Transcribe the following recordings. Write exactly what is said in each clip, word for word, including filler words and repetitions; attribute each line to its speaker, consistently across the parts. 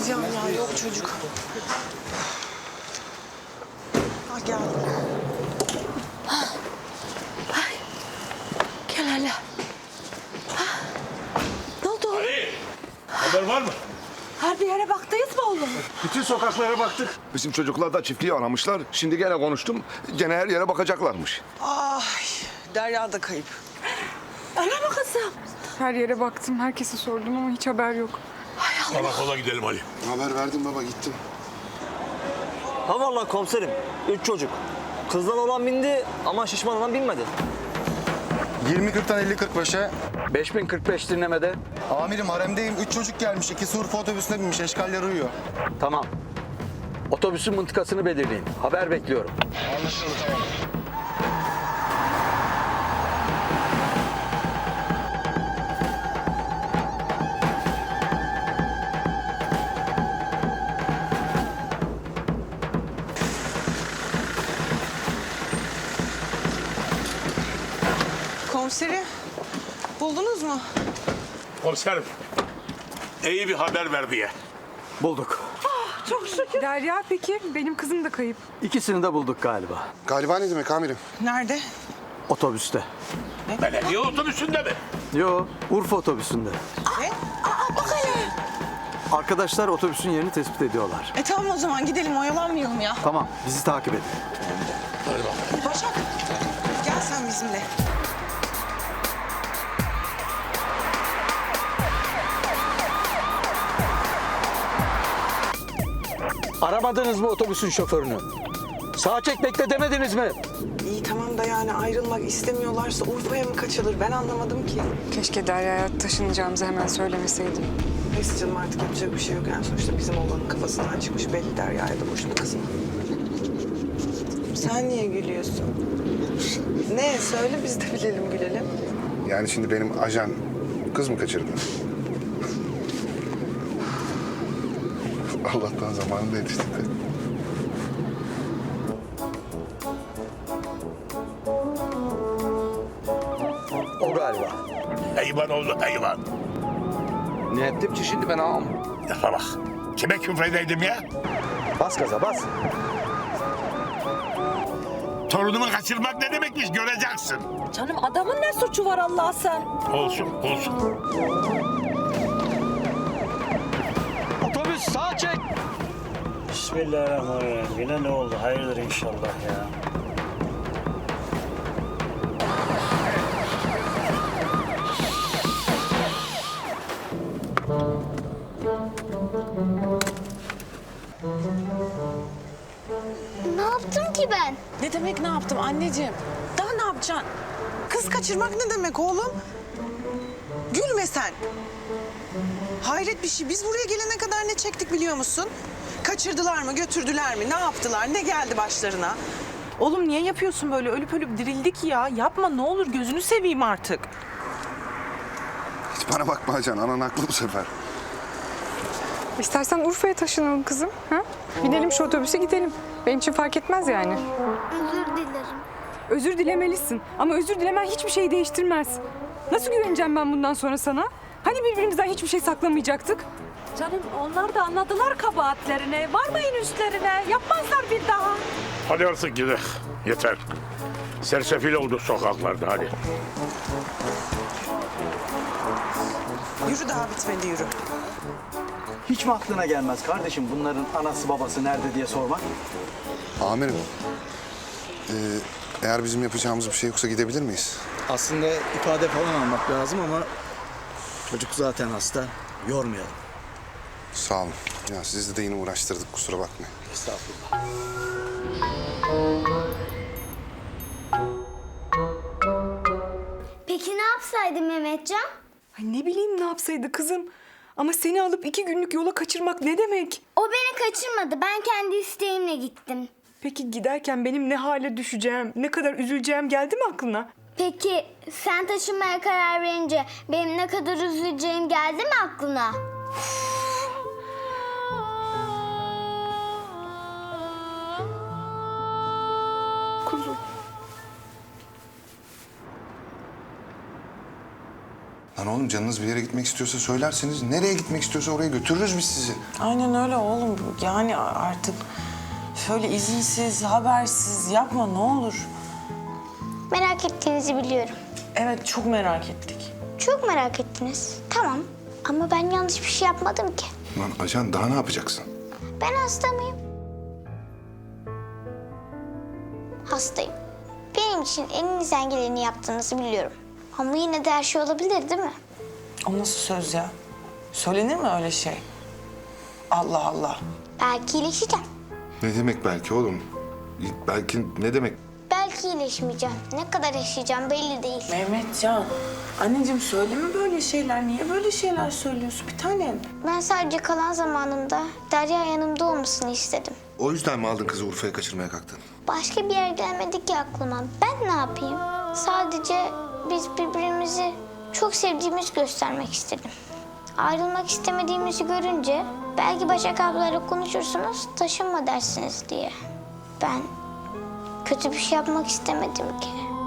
Speaker 1: Can ya, yok çocuk. Ha gel.
Speaker 2: Ay. Gel hele. Ha. Ne oldu oğlum?
Speaker 3: Ali, haber var mı?
Speaker 2: Her bir yere baktınız mı oğlum?
Speaker 3: Bütün sokaklara baktık.
Speaker 4: Bizim çocuklar da çiftliği aramışlar. Şimdi gene konuştum. Gene her yere bakacaklarmış.
Speaker 1: Ay, Derya da kayıp.
Speaker 2: Öyle mi kızım?
Speaker 5: Her yere baktım, herkese sordum ama hiç haber yok.
Speaker 3: Karakola gidelim Ali.
Speaker 4: Haber verdim baba, gittim.
Speaker 6: Ha vallahi komiserim. Üç çocuk. Kızdan olan bindi ama şişman olan binmedi.
Speaker 7: yirmi kırktan elli kırk beşe.
Speaker 8: beş bin kırk beş dinlemede.
Speaker 7: Amirim haremdeyim. Üç çocuk gelmiş. İkisi Urfa otobüsüne binmiş. Eşkaller uyuyor.
Speaker 8: Tamam. Otobüsün mıntıkasını belirleyin. Haber bekliyorum.
Speaker 7: Anlaşıldı, tamam.
Speaker 1: Komiseri buldunuz mu?
Speaker 3: Komiserim, iyi bir haber ver diye.
Speaker 8: Bulduk.
Speaker 5: Çok şükür. Derya peki, benim kızım da kayıp.
Speaker 8: İkisini de bulduk galiba.
Speaker 4: Galiba ne demek amirim?
Speaker 1: Nerede?
Speaker 8: Otobüste.
Speaker 3: Belediye otobüsünde mi?
Speaker 8: Yo, Urfa otobüsünde.
Speaker 1: Ne?
Speaker 2: Aa bak hele.
Speaker 8: Arkadaşlar otobüsün yerini tespit ediyorlar.
Speaker 1: E tamam o zaman gidelim, oyalanmayalım ya.
Speaker 8: Tamam, bizi takip edin.
Speaker 3: Hadi bakalım.
Speaker 1: Başak, gel sen bizimle.
Speaker 8: Aramadınız mı otobüsün şoförünü? Sağa çek bekle demediniz mi?
Speaker 1: İyi tamam da yani ayrılmak istemiyorlarsa Urfa'ya mı kaçılır? Ben anlamadım ki.
Speaker 5: Keşke Derya'ya taşınacağımızı hemen söylemeseydim.
Speaker 1: Neyse canım, artık yapacak bir şey yok. Yani sonuçta bizim oğlanın kafasından çıkmış belli, Derya'ya da boşuna kızma. Sen niye gülüyorsun? Ne? Söyle biz de bilelim, gülelim.
Speaker 4: Yani şimdi benim ajan kız mı kaçırdı? Allah'tan zamanında yetiştik de.
Speaker 8: O galiba.
Speaker 3: Hayvan oldu hayvan.
Speaker 4: Ne ettim ki şimdi ben ağam?
Speaker 3: Lafa bak. Kime küfredeydim ya?
Speaker 8: Bas gaza bas.
Speaker 3: Torunumu kaçırmak ne demekmiş göreceksin.
Speaker 2: Canım adamın ne suçu var Allah sen?
Speaker 3: Olsun, olsun.
Speaker 8: Otobüs sağa çek.
Speaker 6: Bismillahirrahmanirrahim. Yine ne oldu? Hayırdır inşallah ya.
Speaker 9: Ne yaptım ki ben?
Speaker 1: Ne demek ne yaptım anneciğim? Daha ne yapacaksın? Kız kaçırmak ne demek oğlum? Gülme sen. Hayret bir şey. Biz buraya gelene kadar ne çektik biliyor musun? Kaçırdılar mı, götürdüler mi, ne yaptılar, ne geldi başlarına?
Speaker 10: Oğlum niye yapıyorsun böyle? Ölüp ölüp dirildik ya. Yapma ne olur, gözünü seveyim artık.
Speaker 4: Hiç bana bakma ajan, anan haklı bu sefer.
Speaker 5: İstersen Urfa'ya taşınalım kızım. Ha? Binelim şu otobüse gidelim. Benim için fark etmez yani.
Speaker 9: Özür dilerim.
Speaker 5: Özür dilemelisin. Ama özür dilemen hiçbir şeyi değiştirmez. Nasıl güveneceğim ben bundan sonra sana? Hani birbirimizden hiçbir şey saklamayacaktık?
Speaker 2: Canım onlar da anladılar kabahatlerini. Varmayın üstlerine. Yapmazlar bir daha.
Speaker 3: Hadi artık gidelim. Yeter. Sersefil oldu sokaklarda hadi.
Speaker 1: Yürü, daha bitmedi, yürü.
Speaker 8: Hiç mi aklına gelmez kardeşim bunların anası babası nerede diye sormak?
Speaker 4: Amirim, ee, eğer bizim yapacağımız bir şey yoksa gidebilir miyiz?
Speaker 11: Aslında ifade falan almak lazım ama çocuk zaten hasta. Yormayalım.
Speaker 4: Sağ olun. Ya sizi de yine uğraştırdık, kusura bakmayın.
Speaker 11: Estağfurullah.
Speaker 9: Peki ne yapsaydım Mehmetcan?
Speaker 5: Ay ne bileyim ne yapsaydı kızım. Ama seni alıp iki günlük yola kaçırmak ne demek?
Speaker 9: O beni kaçırmadı. Ben kendi isteğimle gittim.
Speaker 5: Peki giderken benim ne hale düşeceğim, ne kadar üzüleceğim geldi mi aklına?
Speaker 9: Peki sen taşınmaya karar verince benim ne kadar üzüleceğim geldi mi aklına?
Speaker 5: Kuzum.
Speaker 4: Lan oğlum canınız bir yere gitmek istiyorsa söylerseniz nereye gitmek istiyorsa oraya götürürüz biz sizi.
Speaker 1: Aynen öyle oğlum. Yani artık şöyle izinsiz, habersiz yapma ne olur.
Speaker 9: Merak ettiğinizi biliyorum.
Speaker 1: Evet çok merak ettik.
Speaker 9: Çok merak ettiniz. Tamam. Ama ben yanlış bir şey yapmadım ki.
Speaker 4: Lan ajan daha ne yapacaksın?
Speaker 9: Ben hasta mıyım? Hastayım. Benim için elinizden geleni yaptığınızı biliyorum. Ama yine de her şey olabilir değil mi?
Speaker 1: O nasıl söz ya? Söylenir mi öyle şey? Allah Allah.
Speaker 9: Belki iyileşeceğim.
Speaker 4: Ne demek belki oğlum? Belki ne demek?
Speaker 9: Belki iyileşmeyeceğim. Ne kadar yaşayacağım belli değil.
Speaker 1: Mehmetcan, anneciğim söyleme böyle şeyler. Niye böyle şeyler söylüyorsun bir tanem?
Speaker 9: Ben sadece kalan zamanımda Derya yanımda olmasını istedim.
Speaker 4: O yüzden mi aldın kızı Urfa'ya kaçırmaya kalktın?
Speaker 9: Başka bir yer gelmedi ki aklıma. Ben ne yapayım? Sadece biz birbirimizi çok sevdiğimizi göstermek istedim. Ayrılmak istemediğimizi görünce belki Başak ablayla konuşursunuz, taşınma dersiniz diye. Ben kötü bir şey yapmak istemedim ki.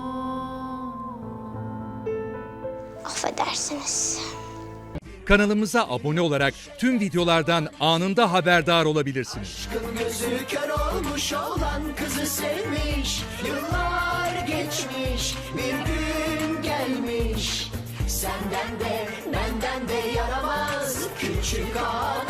Speaker 9: Affedersiniz.
Speaker 12: Kanalımıza abone olarak tüm videolardan anında haberdar olabilirsiniz.
Speaker 13: Gözü kör olmuş olan kızı sevmiş, yıllar geçmiş, bir gün gelmiş. Senden de benden de yaramaz küçük ağa.